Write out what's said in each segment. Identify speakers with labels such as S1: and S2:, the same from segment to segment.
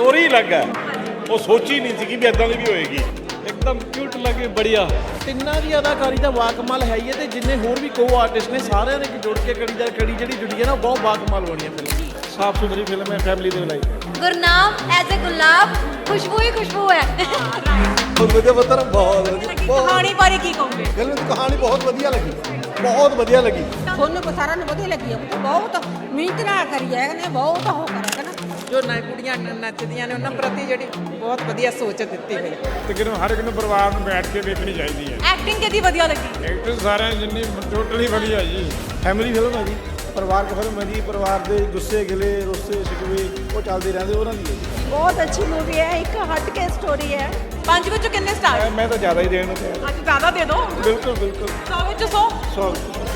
S1: Story अलग है, वो सोची नहीं थी कि भी इदां दी भी होएगी।
S2: एकदम क्यूट लगे बढ़िया ਤਿੰਨਾਂ ਦੀ ਅਦਾਕਾਰੀ ਦਾ ਵਾਕਮਾਲ ਹੈ ਹੀ ਹੈ ਤੇ ਜਿੰਨੇ ਹੋਰ ਵੀ ਕੋ ਆਰਟਿਸਟ ਨੇ ਸਾਰਿਆਂ ਨੇ ਜੁੜ ਕੇ ਕੜੀ ਜਿਹੜੀ ਜੁੜੀ ਹੈ ਨਾ ਬਹੁਤ ਵਾਕਮਾਲ ਬਣੀ ਹੈ ਫਿਲਮ। ਸਾਫ ਸੁਥਰੀ ਫਿਲਮ ਹੈ, ਫੈਮਿਲੀ ਦੇ ਲਈ।
S3: ਗੁਰਨਾਮ ਐਜ਼ ਅ ਗੁਲਾਬ ਖੁਸ਼ਬੂ ਹੀ ਖੁਸ਼ਬੂ ਹੈ।
S4: ਬਹੁਤ ਵਧੀਆ ਪੁੱਤਰ, ਬਹੁਤ ਵਧੀਆ।
S5: ਕਹਾਣੀ ਬਾਰੇ ਕੀ ਕਹੋਗੇ?
S4: ਫਿਲਮ ਦੀ ਕਹਾਣੀ ਬਹੁਤ ਵਧੀਆ ਲੱਗੀ, ਬਹੁਤ ਵਧੀਆ ਲੱਗੀ।
S6: ਤੁਹਾਨੂੰ ਕੋ ਸਾਰਿਆਂ ਨੂੰ ਵਧੀਆ ਲੱਗੀ ਹੈ, ਬਹੁਤ ਮਿਹਨਤ ਨਾਲ ਕਰੀ ਹੈ ਨੇ, ਬਹੁਤ ਹੋ ਕਰਿਆ ਨਾ।
S7: ਜੋ ਨਾ ਕੁੜੀਆਂ ਨੱਚਦੀਆਂ ਨੇ ਉਹਨਾਂ ਪ੍ਰਤੀ ਜਿਹੜੀ ਬਹੁਤ ਵਧੀਆ ਸੋਚ ਦਿੱਤੀ ਹੋਈ।
S1: ਤਕਰੀਬਨ ਹਰ ਇੱਕ ਨੂੰ ਪਰਿਵਾਰ ਨੂੰ ਬੈਠ ਕੇ ਵੇਖਣੀ ਚਾਹੀਦੀ ਹੈ।
S5: ਐਕਟਿੰਗ ਕਿਹਦੀ ਵਧੀਆ ਲੱਗੀ?
S1: ਐਕਟਰ ਸਾਰਿਆਂ ਜਿੰਨੀ ਟੋਟਲੀ ਵਧੀਆ ਜੀ।
S4: ਫੈਮਿਲੀ ਫਿਲਮ ਹੈ ਜੀ, ਪਰਿਵਾਰਕ ਫਿਲਮ ਹੈ ਜੀ। ਪਰਿਵਾਰ ਦੇ ਗੁੱਸੇ ਗਿਲੇ ਰੋਸੇ ਸ਼ਿਕਵੇ ਉਹ ਚੱਲਦੇ ਰਹਿੰਦੇ, ਉਹਨਾਂ ਦੀ ਹੈ ਜੀ।
S6: ਬਹੁਤ ਅੱਛੀ ਮੂਵੀ ਹੈ, ਇੱਕ ਹਟ ਕੇ ਸਟੋਰੀ ਹੈ।
S5: 5 ਵਿੱਚੋਂ ਕਿੰਨੇ ਸਟਾਰ?
S4: ਮੈਂ ਤਾਂ ਜ਼ਿਆਦਾ ਹੀ ਦੇਣ ਨੂੰ ਤਿਆਰ।
S5: ਅੱਜ ਜ਼ਿਆਦਾ ਦੇ ਦਿਓ।
S4: ਬਿਲਕੁਲ ਬਿਲकुल
S5: 100 ਵਿੱਚੋਂ 100।
S4: ਸੋ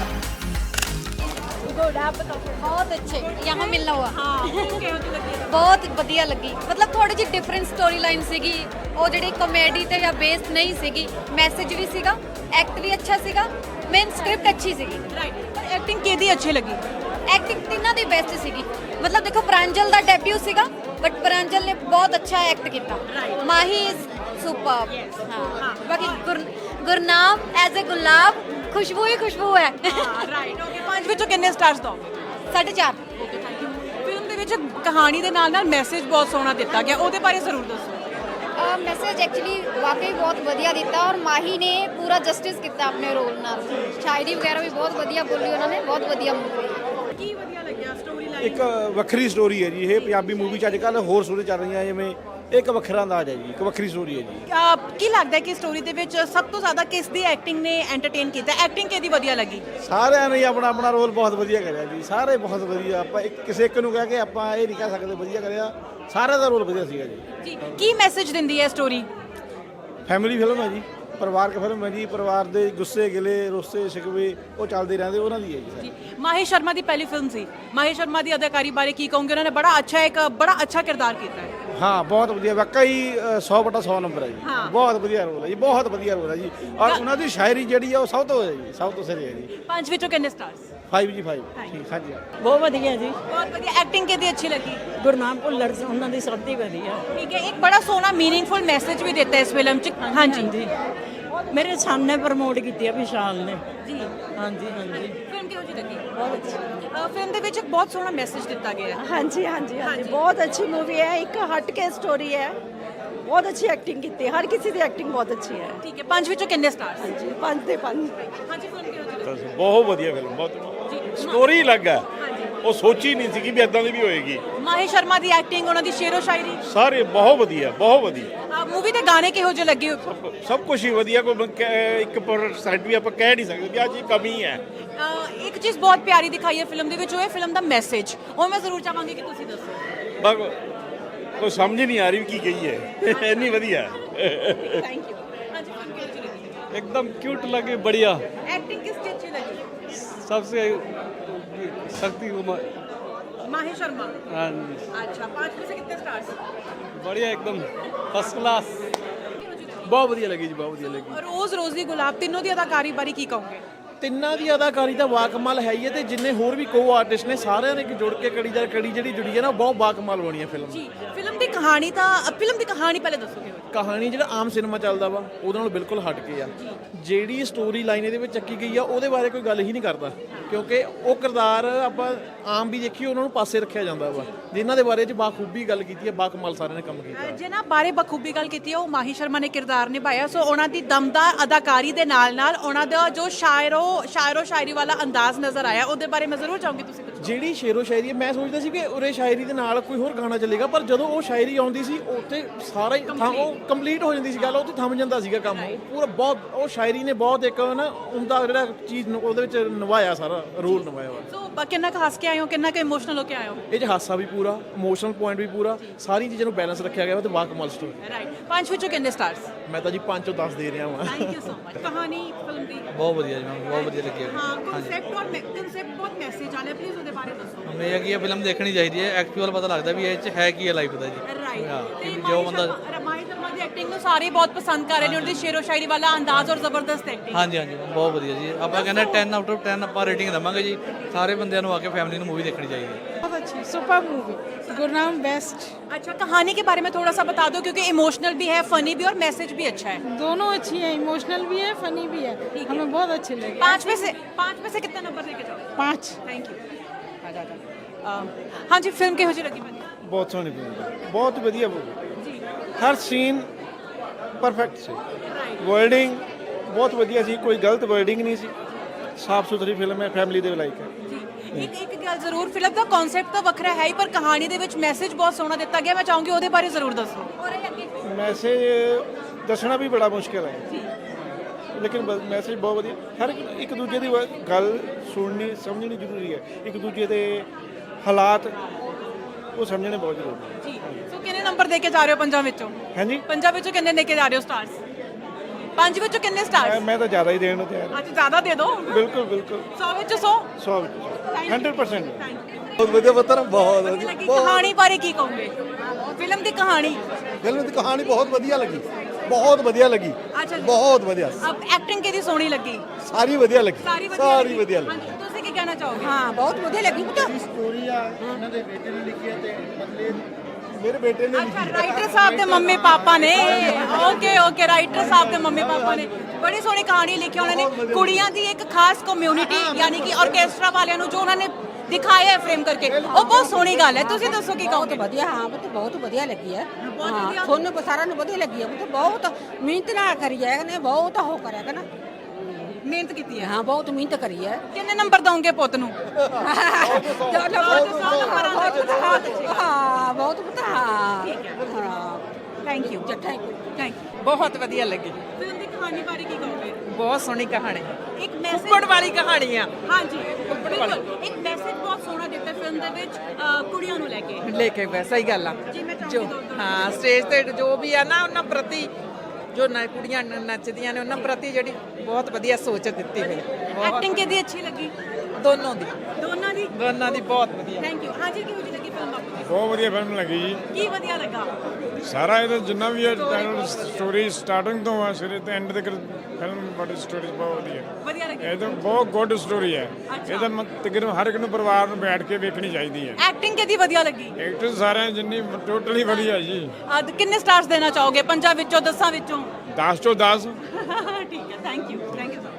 S3: ਬਹੁਤ ਅੱਛੇ यहाँ मिलना हुआ।
S5: ਹਾਂ ਕਿਹੋ ਜਿਹੀ ਲੱਗੀ?
S3: ਬਹੁਤ ਵਧੀਆ ਲੱਗੀ, ਮਤਲਬ ਥੋੜੀ ਜਿਹੀ ਡਿਫਰੈਂਟ ਸਟੋਰੀ ਲਾਈਨ ਸੀਗੀ, ਉਹ ਜਿਹੜੀ ਕਾਮੇਡੀ ਤੇ ਜਾਂ ਬੇਸਡ ਨਹੀਂ ਸੀਗੀ, ਮੈਸੇਜ ਵੀ ਸੀਗਾ, ਐਕਟ ਵੀ ਅੱਛਾ ਸੀਗਾ, ਮੇਨ ਸਕ੍ਰਿਪਟ ਅੱਛੀ ਸੀਗੀ।
S5: ਰਾਈਟ, ਪਰ ਐਕਟਿੰਗ ਕਿਹਦੀ ਅੱਛੀ ਲੱਗੀ?
S3: ਐਕਟਿੰਗ ਤਿੰਨਾਂ ਦੀ ਬੈਸਟ ਸੀਗੀ। ਮਤਲਬ ਦੇਖੋ ਪ੍ਰਾਂਜਲ ਦਾ ਡੈਬਿਊ ਸੀਗਾ ਬਟ ਪ੍ਰਾਂਜਲ ਨੇ ਬਹੁਤ ਅੱਛਾ ਐਕਟ ਕੀਤਾ। Mahi is super. ਹਾਂ ਬਾਕੀ ਗੁਰਨਾਮ ਐਜ਼ ਅ ਗੁਲਾਬ ਖੁਸ਼ਬੂ ਹੀ ਖੁਸ਼ਬੂ ਹੈ।
S5: Right, okay. 5 ਵਿੱਚੋਂ ਕਿੰਨੇ ਸਟਾਰਸ ਦੋਗੇ?
S3: 4.5।
S5: ਫਿਲਮ ਦੇ ਵਿੱਚ ਕਹਾਣੀ ਦੇ ਨਾਲ ਨਾਲ ਮੈਸੇਜ ਬਹੁਤ ਸੋਹਣਾ ਦਿੱਤਾ ਗਿਆ, ਉਹਦੇ ਬਾਰੇ ਜ਼ਰੂਰ ਦੱਸੋ।
S3: ਮੈਸੇਜ ਐਕਚੁਅਲੀ ਵਾਕਈ ਬਹੁਤ ਵਧੀਆ ਦਿੱਤਾ ਔਰ ਮਾਹੀ ਨੇ ਪੂਰਾ ਜਸਟਿਸ ਕੀਤਾ ਆਪਣੇ ਰੋਲ ਨਾਲ। ਸ਼ਾਇਰੀ ਵਗੈਰਾ ਵੀ ਬਹੁਤ ਵਧੀਆ ਬੋਲੀ ਉਹਨਾਂ ਨੇ, ਬਹੁਤ ਵਧੀਆ ਮੂਵੀ।
S5: ਕੀ ਵਧੀਆ ਲੱਗਿਆ ਸਟੋਰੀ ਲਾਈਨ?
S4: ਇੱਕ ਵੱਖਰੀ ਸਟੋਰੀ ਹੈ ਜੀ ਇਹ। ਪੰਜਾਬੀ ਮੂਵੀ 'ਚ ਅੱਜ ਕੱਲ੍ਹ ਹੋਰ ਸਟੋਰੀ ਚੱਲ ਰਹੀਆਂ ਜਿਵੇਂ, ਇੱਕ ਵੱਖਰਾ ਅੰਦਾਜ਼ ਹੈ ਜੀ, ਇੱਕ ਵੱਖਰੀ ਸਟੋਰੀ ਹੈ ਜੀ।
S5: ਕੀ ਲੱਗਦਾ ਹੈ ਕਿ ਸਟੋਰੀ ਦੇ ਵਿੱਚ ਸਭ ਤੋਂ ਜ਼ਿਆਦਾ ਕਿਸ ਦੀ ਐਕਟਿੰਗ ਨੇ ਐਂਟਰਟੇਨ ਕੀਤਾ? ਐਕਟਿੰਗ ਕਿਹਦੀ ਵਧੀਆ ਲੱਗੀ?
S4: ਸਾਰਿਆਂ ਨੇ ਆਪਣਾ ਆਪਣਾ ਰੋਲ ਬਹੁਤ ਵਧੀਆ ਕਰਿਆ ਜੀ, ਸਾਰੇ ਬਹੁਤ ਵਧੀਆ। ਆਪਾਂ ਕਿਸੇ ਇੱਕ ਨੂੰ ਕਹਿ ਕੇ ਆਪਾਂ ਇਹ ਨਹੀਂ ਕਹਿ ਸਕਦੇ ਵਧੀਆ ਕਰਿਆ, ਸਾਰਿਆਂ ਦਾ ਰੋਲ ਵਧੀਆ ਸੀਗਾ ਜੀ।
S5: ਜੀ, ਕੀ ਮੈਸੇਜ ਦਿੰਦੀ ਹੈ ਸਟੋਰੀ?
S4: ਫੈਮਿਲੀ ਫਿਲਮ ਹੈ ਜੀ, ਪਰਿਵਾਰਕ ਫਿਲਮ ਹੈ ਜੀ। ਪਰਿਵਾਰ ਦੇ ਗੁੱਸੇ ਗਿਲੇ ਰੋਸੇ ਸ਼ਿਕਵੇ ਉਹ ਚੱਲਦੇ ਰਹਿੰਦੇ, ਉਹਨਾਂ ਦੀ ਹੈ ਜੀ।
S5: ਮਾਹੀ ਸ਼ਰਮਾ ਦੀ ਪਹਿਲੀ ਫਿਲਮ ਸੀ। ਮਾਹੀ ਸ਼ਰਮਾ ਦੀ ਅਦਾਕਾਰੀ ਬਾਰੇ ਕੀ ਕਹੋਗੇ? ਉਹਨਾਂ ਨੇ ਬੜਾ ਅੱਛਾ ਕਿਰਦਾਰ ਕੀਤਾ ਹੈ।
S4: ਹਾਂ ਬਹੁਤ ਵਧੀਆ, ਵਾਕਈ 100/100 ਨੰਬਰ ਹੈ ਜੀ।
S5: ਹਾਂ।
S4: ਬਹੁਤ ਵਧੀਆ ਰੋਲ ਹੈ ਜੀ, ਬਹੁਤ ਵਧੀਆ ਰੋਲ ਹੈ ਜੀ। ਔਰ ਉਹਨਾਂ ਦੀ ਸ਼ਾਇਰੀ ਜਿਹੜੀ ਆ ਉਹ ਸਭ ਤੋਂ ਹੈ ਜੀ, ਸਭ ਤੋਂ ਸਿਰੇ ਹੈ ਜੀ।
S5: 5 ਵਿੱਚੋਂ ਕਿੰਨੇ ਸਟਾਰਸ?
S4: 5 ਜੀ 5। ਠੀਕ, ਹਾਂਜੀ।
S6: ਬਹੁਤ ਵਧੀਆ ਜੀ।
S5: ਬਹੁਤ ਵਧੀਆ। ਐਕਟਿੰਗ ਕਿਹਦੀ ਅੱਛੀ ਲੱਗੀ?
S6: ਗੁਰਨਾਮ ਭੁੱਲਰ ਉਹਨਾਂ ਦੀ ਸਭ ਦੀ ਵਧੀਆ।
S5: ਠੀਕ ਹੈ, ਇੱਕ ਬੜਾ ਸੋਹਣਾ ਮੀਨਿੰਗਫੁਲ ਮੈਸੇਜ ਵੀ ਦਿੱਤਾ ਇਸ ਫਿਲਮ 'ਚ। ਹਾਂਜੀ
S6: ਮੇਰੇ ਸਾਹਮਣੇ ਪ੍ਰਮੋਟ ਕੀਤੀ ਆ ਵਿਸ਼ਾਲ ਨੇ
S5: ਜੀ।
S6: ਹਾਂਜੀ ਹਾਂਜੀ
S5: ਫਿਲਮ ਕਿਹੋ ਜਿਹੀ ਲੱਗੀ?
S6: ਬਹੁਤ ਅੱਛੀ।
S5: ਫਿਲਮ ਦੇ ਵਿੱਚ ਇੱਕ ਬਹੁਤ ਸੋਹਣਾ ਮੈਸੇਜ ਦਿੱਤਾ ਗਿਆ ਹੈ।
S6: ਹਾਂਜੀ ਹਾਂਜੀ ਹਾਂਜੀ ਬਹੁਤ ਅੱਛੀ ਮੂਵੀ ਹੈ, ਇੱਕ ਹਟ ਕੇ ਸਟੋਰੀ ਹੈ। ਬਹੁਤ ਅੱਛੀ ਐਕਟਿੰਗ ਕੀਤੀ, ਹਰ ਕਿਸੇ ਦੀ ਐਕਟਿੰਗ ਬਹੁਤ ਅੱਛੀ ਹੈ।
S5: ਠੀਕ ਹੈ, 5 ਵਿੱਚੋਂ ਕਿੰਨੇ ਸਟਾਰਸ?
S6: ਹਾਂਜੀ 5 ਦੇ 5।
S5: ਹਾਂਜੀ, ਫਿਲਮ ਕਿਹੋ ਜਿਹੀ ਲੱਗੀ?
S1: ਬਹੁਤ ਵਧੀਆ ਫਿਲਮ, ਬਹੁਤ ਸਟੋਰੀ अलग है, ਉਹ ਸੋਚੀ ਨਹੀਂ ਸੀ ਕਿ ਵੀ ਇਦਾਂ ਦੀ ਵੀ ਹੋਏਗੀ।
S5: ਮਾਹੀ ਸ਼ਰਮਾ ਦੀ ਐਕਟਿੰਗ, ਉਹਨਾਂ ਦੀ ਸ਼ੇਰੋ ਸ਼ਾਇਰੀ,
S1: ਸਾਰੇ ਬਹੁਤ ਵਧੀਆ, ਬਹੁਤ ਵਧੀਆ।
S5: ਮੂਵੀ ਦੇ ਗਾਣੇ ਕਿਹੋ ਜਿਹੇ ਲੱਗੇ?
S1: ਸਭ ਕੁਝ ਹੀ ਵਧੀਆ, ਕੋਈ ਇੱਕ ਪਰਸੈਂਟ ਵੀ ਆਪਾਂ ਕਹਿ ਨਹੀਂ ਸਕਦੇ ਕਿ ਆਹ ਚੀਜ਼ ਕਮੀ ਹੈ।
S5: ਇੱਕ ਚੀਜ਼ ਬਹੁਤ ਪਿਆਰੀ ਦਿਖਾਈ ਹੈ ਫਿਲਮ ਦੇ ਵਿੱਚ, ਉਹ ਹੈ ਫਿਲਮ ਦਾ ਮੈਸੇਜ। ਉਹ ਮੈਂ ਜ਼ਰੂਰ ਚਾਹਾਂਗੀ ਕਿ ਤੁਸੀਂ ਦੱਸੋ।
S1: ਬਸ ਕੋਈ ਸਮਝ ਨਹੀਂ ਆ ਰਹੀ ਵੀ ਕੀ ਕਹੀ ਹੈ, ਇੰਨੀ ਵਧੀਆ।
S5: Thank you. ਹਾਂਜੀ, ਫਿਲਮ ਕਿਹੋ ਜਿਹੀ ਲੱਗੀ?
S2: एकदम क्यूट लगे बढ़िया।
S5: ਐਕਟਿੰਗ ਕਿਸ ਦੀ ਅੱਛੀ ਲੱਗੀ?
S2: सबसे शक्ति
S5: माही शर्मा।
S2: हाँ,
S5: अच्छा, 5 में से कितने स्टार्स?
S2: बढ़िया एकदम फर्स्ट क्लास। बहुत बढ़िया लगी जी, बहुत बढ़िया लगी।
S5: रोज रोजी गुलाब तीनों ਦੀ ਅਦਾਕਾਰੀ ਬਾਰੇ ਕੀ ਕਹੋਗੇ?
S2: ਤਿੰਨਾਂ ਦੀ ਅਦਾਕਾਰੀ ਦਾ ਵਾਕਮਾਲ ਹੈ ਹੀ ਹੈ ਤੇ ਜਿੰਨੇ ਹੋਰ ਵੀ ਕੋ ਆਰਟਿਸਟ ਨੇ ਸਾਰਿਆਂ ਨੇ ਜੁੜ ਕੇ ਕੜੀ ਜਿਹੜੀ ਜੁੜੀ ਹੈ ਨਾ ਬਹੁਤ ਵਾਕਮਾਲ ਬਣੀ ਹੈ ਫਿਲਮ।
S5: ਜੀ, ਫਿਲਮ ਦੀ ਕਹਾਣੀ ਪਹਿਲੇ ਦੱਸੋਗੇ?
S2: ਕਹਾਣੀ ਜਿਹੜਾ ਆਮ ਸਿਨੇਮਾ ਚੱਲਦਾ ਵਾ ਉਹਦੇ ਨਾਲ ਬਿਲਕੁਲ ਹਟ ਕੇ ਆ। ਜਿਹੜੀ ਸਟੋਰੀ ਲਾਈਨ ਇਹਦੇ ਵਿੱਚ ਚੱਕੀ ਗਈ ਆ ਉਹਦੇ ਬਾਰੇ ਕੋਈ ਗੱਲ ਹੀ ਨਹੀਂ ਕਰਦਾ, ਕਿਉਂਕਿ ਉਹ ਕਿਰਦਾਰ ਆਪਾਂ ਆਮ ਵੀ ਦੇਖੀਏ ਉਹਨਾਂ ਨੂੰ ਪਾਸੇ ਰੱਖਿਆ ਜਾਂਦਾ ਵਾ, ਜਿਨ੍ਹਾਂ ਦੇ ਬਾਰੇ 'ਚ ਬਾਖੂਬੀ ਗੱਲ ਕੀਤੀ ਹੈ, ਬਾਕਮਾਲ ਸਾਰਿਆਂ ਨੇ ਕੰਮ ਕੀਤਾ।
S5: ਜਿਹਨਾਂ ਬਾਰੇ ਬਖੂਬੀ ਗੱਲ ਕੀਤੀ ਹੈ ਉਹ ਮਾਹੀ ਸ਼ਰਮਾ ਨੇ ਕਿਰਦਾਰ ਨਿਭਾਇਆ। ਸੋ ਉਹਨਾਂ ਦੀ ਦਮਦਾਰ ਅਦਾਕਾਰੀ ਦੇ ਨਾਲ ਨਾਲ ਉਹਨਾਂ ਦਾ ਜੋ ਸ਼ਾਇਰੋ ਸ਼ਾਇਰੀ ਵਾਲਾ ਅੰਦਾਜ਼ ਨਜ਼ਰ ਆਇਆ, ਉਹਦੇ ਬਾਰੇ ਮੈਂ ਜ਼ਰੂਰ ਚਾਹੂੰਗੀ ਤੁਸੀਂ ਕੁਝ।
S2: ਜਿਹੜੀ ਸ਼ੇਰੋ ਸ਼ਾਇਰੀ ਹੈ, ਮੈਂ ਸੋਚਦਾ ਸੀ ਕਿ ਉਰੇ ਸ਼ਾਇਰੀ ਦੇ ਨਾਲ ਕੋਈ ਹੋਰ ਗਾਣਾ ਚੱਲੇਗਾ, ਪਰ ਜਦੋਂ ਉਹ ਸ਼ਾਇਰੀ ਆਉਂਦੀ ਸੀ ਉੱਥੇ ਸਾਰਾ ਹੀ ਉਹ ਕੰਪਲੀਟ ਹੋ ਜਾਂਦੀ ਸੀ ਗੱਲ, ਉੱਥੇ ਥੰਮ ਜਾਂਦਾ ਸੀਗਾ ਕੰਮ। ਉਹ ਪੂਰਾ ਬਹੁਤ ਉਹ ਸ਼ਾਇਰੀ ਨੇ ਬਹੁਤ ਇੱਕ ਨਾ ਉਹਦਾ ਜਿਹੜਾ ਚੀਜ਼ ਉਹਦੇ ਵਿੱਚ ਨਿਭਾਇਆ, ਸਾਰਾ ਰੋਲ ਨਿਭਾਇਆ ਵਾ।
S5: ਸੋ ਕਿੰਨਾ ਕੁ ਹੱਸ ਕੇ ਆਏ ਹੋ, ਕਿੰਨਾ ਕੁ ਇਮੋਸ਼ਨਲ ਹੋ ਕੇ ਆਏ ਹੋ?
S2: ਇਹ 'ਚ ਹਾਸਾ ਵੀ ਪੂਰਾ, ਇਮੋਸ਼ਨਲ ਪੁਆਇੰਟ ਵੀ ਪੂਰਾ, ਸਾਰੀ ਚੀਜ਼ਾਂ ਨੂੰ ਬੈਲੈਂਸ ਰੱਖਿਆ ਗਿਆ ਵਾ ਤੇ ਵਾਕਮਾਲ ਸਟੋਰੀ।
S5: ਰਾਈਟ, 5 ਵਿੱਚੋਂ ਕਿੰਨੇ ਸਟਾਰਸ?
S2: ਮੈਂ ਤਾਂ ਜੀ 5 ਤੋਂ 10 ਦੇ ਰਿਹਾ ਵਾਂ।
S5: Thank you so much. ਕਹਾਣੀ ਫਿਲਮ ਦੀ
S8: ਬਹੁਤ ਵਧੀਆ ਜੀ, ਮੈਨੂੰ ਬਹੁਤ ਵਧੀਆ ਲੱਗੀ ਹੈ।
S5: ਹਾਂ, ਕਨਸੈਪਟ ਬਹੁਤ ਮੈਸੇਜ ਆਲੇ, ਪਲੀਜ਼ ਉਹਦੇ ਬਾਰੇ ਦੱਸੋ।
S8: ਹਮੇ ਇਹ ਕੀ ਇਹ ਫਿਲਮ ਦੇਖਣੀ ਚਾਹੀਦੀ ਹੈ, ਐਕਚੁਅਲ ਪਤਾ ਲੱਗਦਾ ਵੀ ਇਹ 'ਚ ਹੈ ਕੀ ਹੈ ਲਾਈਫ ਦਾ ਜੀ।
S5: ਰਾਈਟ, ਤੇ
S8: ਜੋ ਬੰਦਾ
S5: ਮਾਹੀ ਸ਼ਰਮਾ ਦੀ ਐਕਟਿੰਗ ਨੂੰ ਸਾਰੇ ਬਹੁਤ ਪਸੰਦ ਕਰ ਰਹੇ ਨੇ, ਉਹਦੀ ਸ਼ੇਰੋ ਸ਼ਾਇਰੀ ਵਾਲਾ ਅੰਦਾਜ਼ ਔਰ ਜ਼ਬਰਦਸਤ ਐਕਟਿੰਗ।
S8: ਹਾਂਜੀ ਹਾਂਜੀ ਬਹੁਤ ਵਧੀਆ ਜੀ। ਆਪਾਂ ਕਹਿੰਦੇ 10 ਆਊਟ ਆਫ 10 ਆਪਾਂ ਰੇਟਿੰਗ ਦੇਵਾਂਗੇ ਜੀ। ਸਾਰੇ ਬੰਦਿਆਂ ਨੂੰ ਆ ਕੇ ਫੈਮਿਲੀ ਨੂੰ ਮੂਵੀ ਦੇਖਣੀ ਚਾਹੀਦੀ ਹੈ।
S5: अच्छी
S9: सुपर मूवी गुरनाम बेस्ट।
S5: अच्छा, कहानी के बारे में थोड़ा सा बता दो क्योंकि इमोशनल भी है, फनी भी और मैसेज भी अच्छा है।
S9: दोनों अच्छी है, इमोशनल भी है, फनी भी है, हमें बहुत अच्छे लगे।
S5: 5 में से कितना नंबर देके जाओ?
S9: 5।
S5: Thank you. हाँ जी, फिल्म किहो जी लगी मैंने?
S4: ਬਹੁਤ ਸੋਹਣੀ ਫਿਲਮ ਬਹੁਤ ਵਧੀਆ ਮੂਵੀ ਹਰ ਸੀਨ ਪਰਫੈਕਟ ਸੀ ਵਰਡਿੰਗ ਬਹੁਤ ਵਧੀਆ ਸੀ ਕੋਈ ਗਲਤ ਵਰਡਿੰਗ ਨਹੀਂ ਸੀ ਸਾਫ ਸੁਥਰੀ ਫਿਲਮ ਹੈ ਫੈਮਿਲੀ ਦੇ ਲਾਇਕ ਹੈ
S5: ਇੱਕ ਗੱਲ ਜ਼ਰੂਰ, ਫਿਲਮ ਦਾ ਕਨਸੈਪਟ ਤਾਂ ਵੱਖਰਾ ਹੈ ਹੀ ਪਰ ਕਹਾਣੀ ਦੇ ਵਿੱਚ ਮੈਸੇਜ ਬਹੁਤ ਸੋਹਣਾ ਦਿੱਤਾ ਗਿਆ। ਮੈਂ ਚਾਹੂੰਗੀ ਉਹਦੇ ਬਾਰੇ ਜ਼ਰੂਰ ਦੱਸੋ।
S4: ਮੈਸੇਜ ਦੱਸਣਾ ਵੀ ਬੜਾ ਮੁਸ਼ਕਿਲ ਹੈ ਲੇਕਿਨ ਮੈਸੇਜ ਬਹੁਤ ਵਧੀਆ ਹਰ ਇੱਕ ਦੂਜੇ ਦੀ ਗੱਲ ਸੁਣਨੀ ਸਮਝਣੀ ਜ਼ਰੂਰੀ ਹੈ ਇੱਕ ਦੂਜੇ ਦੇ ਹਾਲਾਤ ਉਹ ਸਮਝਣੇ ਬਹੁਤ ਜ਼ਰੂਰੀ ਹੈ
S5: ਜੀ। ਸੋ ਕਿੰਨੇ ਨੰਬਰ ਦੇ ਕੇ ਜਾ ਰਹੇ ਹੋ ਪੰਜਾਂ ਵਿੱਚੋਂ?
S4: ਹਾਂਜੀ
S5: ਪੰਜਾਂ ਵਿੱਚੋਂ ਕਿੰਨੇ ਦੇ ਕੇ ਜਾ ਰਹੇ ਹੋ ਸਟਾਰਸ? 5 ਵਿੱਚੋਂ ਕਿੰਨੇ ਸਟਾਰਸ?
S4: ਮੈਂ ਤਾਂ ਜ਼ਿਆਦਾ ਹੀ ਦੇਣ ਨੂੰ ਤਿਆਰ ਹਾਂ
S5: ਅੱਜ ਜ਼ਿਆਦਾ ਦੇ ਦਿਓ।
S4: ਬਿਲਕੁਲ ਬਿਲਕੁਲ
S5: 100 ਵਿੱਚੋਂ 100।
S4: 100 100%।
S10: ਬਹੁਤ ਵਧੀਆ ਪੁੱਤਰ ਬਹੁਤ
S5: ਵਧੀਆ ਲੱਗੀ। ਕਹਾਣੀ ਬਾਰੇ ਕੀ ਕਹੋਗੇ? ਫਿਲਮ ਦੀ ਕਹਾਣੀ?
S10: ਫਿਲਮ ਦੀ ਕਹਾਣੀ ਬਹੁਤ ਵਧੀਆ ਲੱਗੀ ਬਹੁਤ ਵਧੀਆ ਲੱਗੀ
S5: ਅੱਛਾ ਜੀ।
S10: ਬਹੁਤ ਵਧੀਆ
S5: ਅਬ ਐਕਟਿੰਗ ਕਿਹਦੀ ਸੋਹਣੀ ਲੱਗੀ?
S10: ਸਾਰੀ ਵਧੀਆ ਲੱਗੀ
S5: ਸਾਰੀ ਵਧੀਆ ਲੱਗੀ। ਹਾਂਜੀ, ਤੁਸੀਂ ਕੀ ਕਹਿਣਾ ਚਾਹੋਗੇ?
S6: हाँ बहुत बढ़िया लगी बेटा।
S4: ਸਟੋਰੀ ਆ ਇਹਨਾਂ ਦੇ ਬੇਟੇ ਨੇ ਲਿਖੀ ਹੈ ਤੇ ਬਦਲੇ ਮੇਰੇ ਬੇਟੇ ਨੇ
S5: ਅੱਛਾ, ਰਾਈਟਰ ਸਾਹਿਬ ਦੇ ਮੰਮੀ ਪਾਪਾ ਨੇ। ਓਕੇ, ਰਾਈਟਰ ਸਾਹਿਬ ਦੇ ਮੰਮੀ ਪਾਪਾ ਨੇ ਬੜੀ ਸੋਹਣੀ ਕਹਾਣੀ ਲਿਖੀ ਉਹਨਾਂ ਨੇ। ਕੁੜੀਆਂ ਦੀ ਇੱਕ ਖਾਸ ਕਮਿਊਨਿਟੀ ਯਾਨੀ ਕਿ ਆਰਕੈਸਟਰਾ ਵਾਲਿਆਂ ਨੂੰ ਜੋ ਉਹਨਾਂ ਨੇ ਦਿਖਾਇਆ ਹੈ ਫਰੇਮ ਕਰਕੇ ਉਹ ਬਹੁਤ ਸੋਹਣੀ ਗੱਲ ਹੈ। ਤੁਸੀਂ ਦੱਸੋ ਕੀ ਕਹੋਗੇ?
S6: ਵਧੀਆ ਹਾਂ ਪੁੱਤ ਬਹੁਤ ਵਧੀਆ ਲੱਗੀ ਹੈ ਹਾਂ ਤੁਹਾਨੂੰ ਸਾਰਿਆਂ ਨੂੰ ਵਧੀਆ ਲੱਗੀ ਹੈ ਪੁੱਤ ਬਹੁਤ ਮਿਹਨਤ ਨਾਲ ਕਰੀ ਹੈ ਨੇ ਬਹੁਤ ਹੋ ਕਰਿਆ ਕਿ ਨਾ
S5: ਮਿਹਨਤ ਕੀਤੀ ਹੈ।
S6: ਹਾਂ ਬਹੁਤ ਮਿਹਨਤ ਕਰੀ ਹੈ
S5: ਕਿੰਨੇ ਨੰਬਰ ਦਵੋਗੇ ਪੁੱਤ ਨੂੰ?
S6: ਹਾਂ ਬਹੁਤ ਪੁੱਤ ਹਾਂ
S5: ਥੈਂਕ ਯੂ।
S6: ਥੈਂਕ
S7: ਬਹੁਤ ਵਧੀਆ ਲੱਗੀ
S5: ਫਿਲਮ ਦੀ ਕਹਾਣੀ ਬਾਰੇ ਕੀ ਕਹੋਗੇ?
S7: ਬਹੁਤ ਸੋਹਣੀ ਕਹਾਣੀ
S5: ਇੱਕ ਮੈਸੇਜ
S7: ਕੁੱਕੜ ਵਾਲੀ ਕਹਾਣੀ ਆ
S5: ਹਾਂਜੀ, ਬਿਲਕੁਲ ਇੱਕ ਮੈਸੇਜ ਬਹੁਤ ਸੋਹਣਾ ਦਿੱਤਾ ਫਿਲਮ ਦੇ ਵਿੱਚ ਕੁੜੀਆਂ ਨੂੰ ਲੈ ਕੇ।
S7: ਲੈ ਕੇ ਵੈਸਾ ਹੀ ਗੱਲ ਆ
S5: ਜੀ, ਮੈਂ ਚਾਹੁੰਦੀ
S7: ਜੋ
S5: ਦੋ-
S7: ਹਾਂ ਸਟੇਜ ਤੇ ਜੋ ਵੀ ਆ ਨਾ ਉਹਨਾਂ ਪ੍ਰਤੀ ਜੋ ਕੁੜੀਆਂ ਨੱਚਦੀਆਂ ਨੇ ਉਹਨਾਂ ਪ੍ਰਤੀ ਜਿਹੜੀ ਬਹੁਤ ਵਧੀਆ ਸੋਚ ਦਿੱਤੀ ਹੋਈ ਬਹੁਤ
S5: ਐਕਟਿੰਗ ਕਿਹਦੀ ਅੱਛੀ ਲੱਗੀ?
S7: ਦੋਨੋਂ ਦੀ
S5: ਦੋਨਾਂ ਦੀ
S7: ਬਹੁਤ ਵਧੀਆ
S5: ਥੈਂਕ ਯੂ। ਹਾਂਜੀ, ਕਿਹੋ ਜਿਹੀ ਲੱਗੀ ਫਿਲਮ ਆਪਣੀ?
S1: ਬਹੁਤ ਵਧੀਆ ਫਿਲਮ ਲੱਗੀ ਜੀ
S5: ਕੀ ਵਧੀਆ ਲੱਗਾ?
S1: ਸਾਰਾ ਇਹਦਾ ਜਿੰਨਾ ਵੀ ਹੈ ਸਟੋਰੀ ਸਟਾਰਟਿੰਗ ਤੋਂ ਆ ਸਿਰੇ ਤੇ ਐਂਡ ਤੱਕ ਫਿਲਮ ਬੜੀ ਸਟੋਰੀ ਬਹੁਤ
S5: ਵਧੀਆ ਲੱਗੀ।
S1: ਇਹ ਤਾਂ ਬਹੁਤ ਗੁੱਡ ਸਟੋਰੀ ਹੈ ਇਹ ਤਾਂ ਤਕਰੀਬਨ ਹਰ ਇੱਕ ਨੂੰ ਪਰਿਵਾਰ ਨੂੰ ਬੈਠ ਕੇ ਵੇਖਣੀ ਚਾਹੀਦੀ ਹੈ
S5: ਐਕਟਿੰਗ ਕਿਹਦੀ ਵਧੀਆ ਲੱਗੀ?
S1: ਐਕਟਰ ਸਾਰਿਆਂ ਜਿੰਨੀ ਟੋਟਲੀ ਵਧੀਆ ਜੀ
S5: ਅੱਜ ਕਿੰਨੇ ਸਟਾਰਸ ਦੇਣਾ ਚਾਹੋਗੇ? 5 ਵਿੱਚੋਂ 10 ਵਿੱਚੋਂ?
S1: 10 ਚੋਂ 10
S5: ਠੀਕ ਹੈ, ਥੈਂਕ ਯੂ ਸੋ